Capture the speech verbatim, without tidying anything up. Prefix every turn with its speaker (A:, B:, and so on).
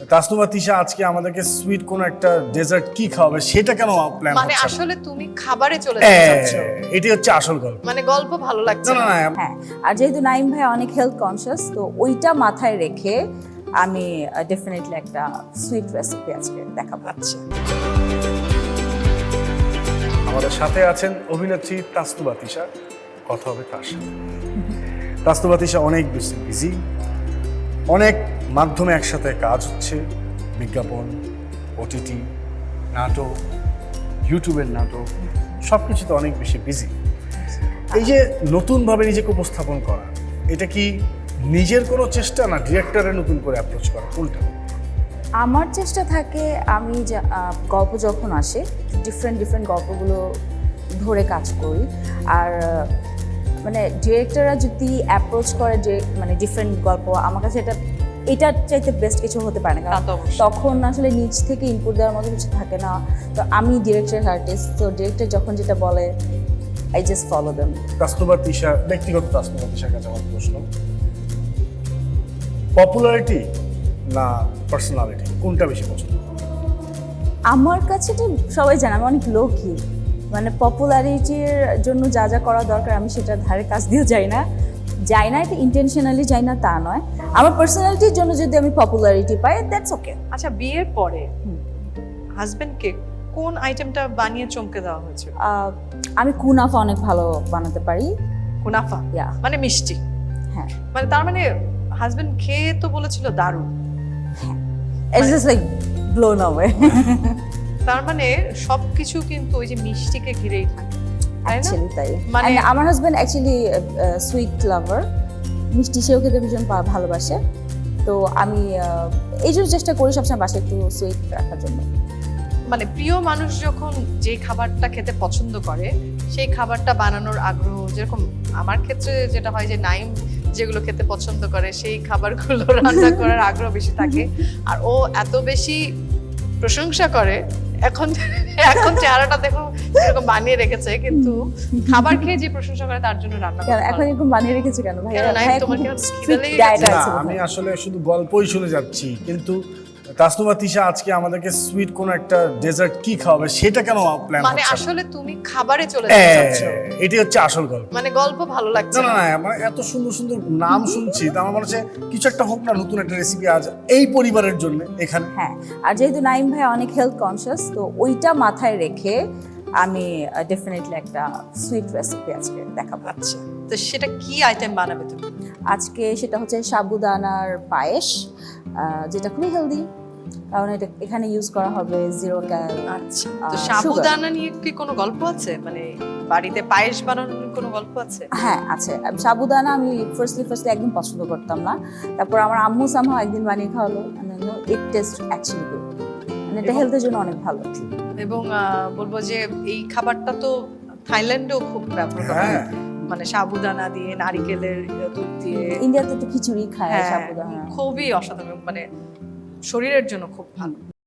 A: তাসনুভা তিশা আজকে আমাদেরকে সুইট কোন একটা ডেজার্ট কি খাওয়াবে সেটা কেন প্ল্যান
B: মানে
A: হচ্ছে
B: আসলে তুমি খাবারে চলে যেতে চাচ্ছ,
A: এটাই হচ্ছে আসল গল্প।
B: মানে গল্প ভালো লাগছে
A: না না
B: না।
A: না
C: হ্যাঁ, আর যেহেতু নাইম ভাই অনেক হেলথ কনসিয়াস, তো ওইটা মাথায় রেখে আমি ডেফিনেটলি একটা সুইট রেসিপি আজকে দেখাবো।
B: আচ্ছা,
A: আমাদের সাথে আছেন অভিনেত্রী তাসনুভা তিশা, কথা হবে তার সাথে। তাসনুভা তিশা অনেক বেশি বিজি, অনেক মাধ্যমে একসাথে কাজ হচ্ছে, বিজ্ঞাপন, ওটিটি, নাটক, ইউটিউবের নাটক, সব কিছুতে অনেক বেশি বিজি। এই যে নতুনভাবে নিজেকে উপস্থাপন করা, এটা কি নিজের কোনো চেষ্টা না ডিরেক্টরের নতুন করে অ্যাপ্রোচ করা, কোনটা?
C: আমার চেষ্টা থাকে আমি যা- আহ, গল্প যখন আসে ডিফারেন্ট ডিফারেন্ট গল্পগুলো ধরে কাজ করি। আর আহ, মানে ডিরেক্টররা যদি অ্যাপ্রোচ করে যে মানে ডিফারেন্ট গল্প, আমার কাছে এটা এটার চাইতে বেস্ট কিছু হতে পারে না,
B: তা
C: কারণ
B: তো অবশ্যই।
C: তখন আসলে নিজ থেকে ইনপুট দেওয়ার মতো কিছু থাকে না। তো আমি ডিরেক্টর আর্টিস্ট, তো ডিরেক্টর যখন যেটা বলে I just follow them.
A: Tasnuva Tisha, ব্যক্তিগত তাসনুভা তিশার কাছে আমার প্রশ্ন, পপুলারিটি না পার্সোনালিটি, কোনটা বেশি পছন্দ?
C: আমার কাছে তো সবাই জানে আমি অনেক লোকই, মানে পপুলারিটির জন্য যা যা করা দরকার আমি সেটা ধারে কাজ দিয়েও যাই না যাই না এটা ইন্টেনশনালি যাই না তা নয়। আমার পার্সোনালিটির জন্য যদি আমি পপুলারিটি পাই দ্যাটস ওকে।
B: আচ্ছা, বিয়ের পরে হাজবেন্ডকে কোন আইটেমটা বানিয়ে চমকে দেওয়া হয়েছিল?
C: আমি কুনাফা অনেক ভালো বানাতে পারি।
B: কুনাফা,
C: Yeah.
B: মানে মিষ্টি।
C: হ্যাঁ,
B: মানে তার মানে হাজবেন্ড খেয়ে তো বলেছিল দারুণ।
C: It's just like blown away.
B: তার মানে সবকিছু কিন্তু ওই যে মিষ্টিকে ঘিরেই থাকে, তাই না?
C: অ্যাকচুয়ালি তাই।
B: মানে-
C: And আমার হাজব্যান্ড অ্যাকচুয়ালি সুইট লাভার, মিষ্টি সেও খেতে ভীষণ পা- ভালোবাসে। তো আমি আহ, এই জন্য চেষ্টা করি সবসময় বাসায় একটু সুইট রাখার জন্য।
B: মানে প্রিয় মানুষ যখন যে খাবারটা খেতে পছন্দ করে সেই খাবারটা বানানোর আগ্রহ, যেরকম আমার ক্ষেত্রে যেটা হয় যে নাইম যেগুলো খেতে পছন্দ করে সেই খাবারগুলো রান্না করার আগ্রহ বেশি থাকে। আর ও এত বেশি প্রশংসা করে, এখন এখন চেহারাটা দেখো এরকম বানিয়ে রেখেছে, কিন্তু খাবার খেয়ে যে প্রশংসা করে তার জন্য রান্না
C: কেন
B: করে
C: এখন এরকম বানিয়ে রেখেছে কেন ভাই?
B: কেন নাই,
C: ভাই
B: তোমার
C: এখন
B: কেন
C: strict
B: খিদে লেগে
C: diet
B: গেছে?
A: না,
C: আছে
A: আমি
C: বোধহয়।
A: আসলে শুধু গল্পই শুনে যাচ্ছি, কিন্তু তাসনুভা তিশা আজকে আমাদেরকে সুইট কোন একটা ডেজার্ট কি খাওয়াবে সেটা কেন প্ল্যান
B: মানে
A: হচ্ছে?
B: আসলে তুমি খাবারে চলে যেতে চাচ্ছ,
A: এটাই হচ্ছে আসল গল্প।
B: মানে গল্প ভালো লাগছে
A: না না
B: না।
A: না, মানে এত সুন্দর সুন্দর নাম শুনছি, তো আমার মনে হচ্ছে কিছু একটা হোক না, নতুন একটা রেসিপি আজ এই পরিবারের জন্য এখানে।
C: হ্যাঁ, আর যেহেতু নাইম ভাই অনেক হেলথ কনসিয়াস, তো ওইটা মাথায় রেখে আমি ডেফিনেটলি একটা সুইট রেসিপি আজকে দেখাবো।
B: আচ্ছা, তো সেটা কি আইটেম বানাবে তুমি?
C: আজকে সেটা হচ্ছে সাবুদানার পায়েস, আহ, যেটা খুবই হেলদি, কারণ এটা এখানে ইউজ করা হবে জিরো ক্যাল।
B: আচ্ছা, তো
C: আহ,
B: সাবুদানা নিয়ে কি কোনো গল্প আছে? মানে বাড়িতে পায়েস বানানোর কোনো গল্প আছে?
C: হ্যাঁ আছে। সাবুদানা আমি ফার্স্টলি ফার্স্টলি একদম পছন্দ করতাম না, তারপর আমার আম্মু সামহাও একদিন বানিয়ে খাওয়ালো, ইট টেস্ট অ্যাকচুয়ালি গুড, মানে এটা
B: এবং-
C: হেলথের জন্য অনেক ভালো।
B: এবং আহ, বলবো যে এই খাবারটা তো থাইল্যান্ডেও খুব ব্যবহার করা হয়,
A: হ্যাঁ।
B: মানে সাবুদানা দিয়ে, নারিকেলের দুধ দিয়ে।
C: ইন্ডিয়াতে তো খিচুড়ি খায়
B: হ্যাঁ,
C: সাবুদানা।
B: খুবই অসাধারণ, মানে শরীরের জন্য খুব ভালো।